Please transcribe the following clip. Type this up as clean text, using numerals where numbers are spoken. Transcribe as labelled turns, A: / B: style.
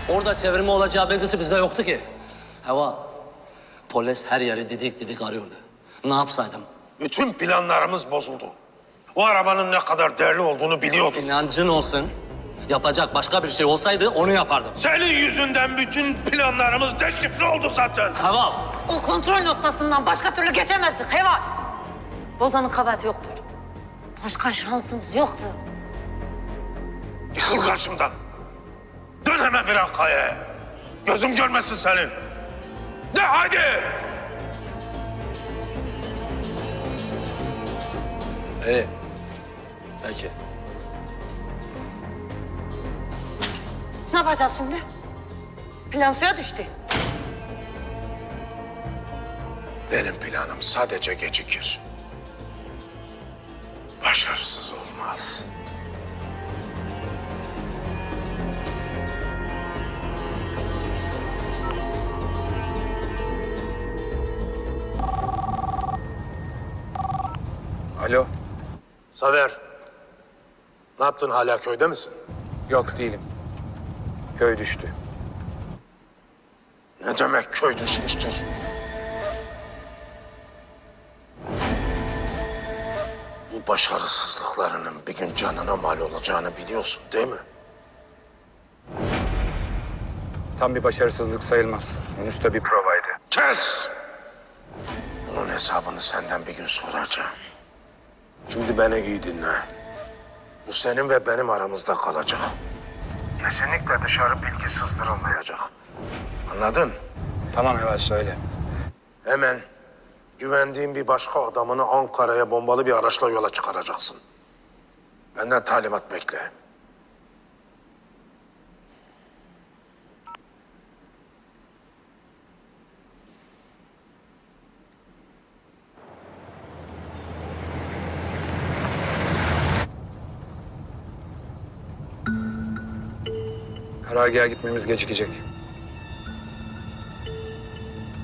A: Orada çevirme olacağı belgesi bizde yoktu ki. Heva, polis her yeri didik didik arıyordu. Ne yapsaydım?
B: Bütün planlarımız bozuldu. O arabanın ne kadar değerli olduğunu biliyoruz.
A: İnancın olsun. Yapacak başka bir şey olsaydı onu yapardım.
B: Senin yüzünden bütün planlarımız deşifre oldu zaten.
A: Heva,
C: O kontrol noktasından başka türlü geçemezdik Heval. Bozan'ın kabahati yoktur. Başka şansımız yoktu.
B: Yıkıl karşımdan. Dön hemen bir kayaya. Gözüm görmesin seni. De hadi.
A: İyi. Peki.
C: Ne yapacağız şimdi? Plan suya düştü.
B: Benim planım sadece gecikir. Başarısız olmaz.
D: Alo.
B: Zafer, ne yaptın, hala köyde misin?
D: Yok değilim. Köy düştü.
B: Ne demek köy düşmüştür? Bu başarısızlıklarının bir gün canına mal olacağını biliyorsun değil mi?
D: Tam bir başarısızlık sayılmaz. Henüz de bir provaydı.
B: Kes! Bunun hesabını senden bir gün soracağım. Şimdi beni iyi dinle. Bu senin ve benim aramızda kalacak. Kesinlikle dışarı bilgi sızdırılmayacak. Anladın?
D: Tamam Heval söyle.
B: Hemen güvendiğin bir başka adamını Ankara'ya bombalı bir araçla yola çıkaracaksın. Benden talimat bekle.
D: Karargaha gitmemiz gecikecek.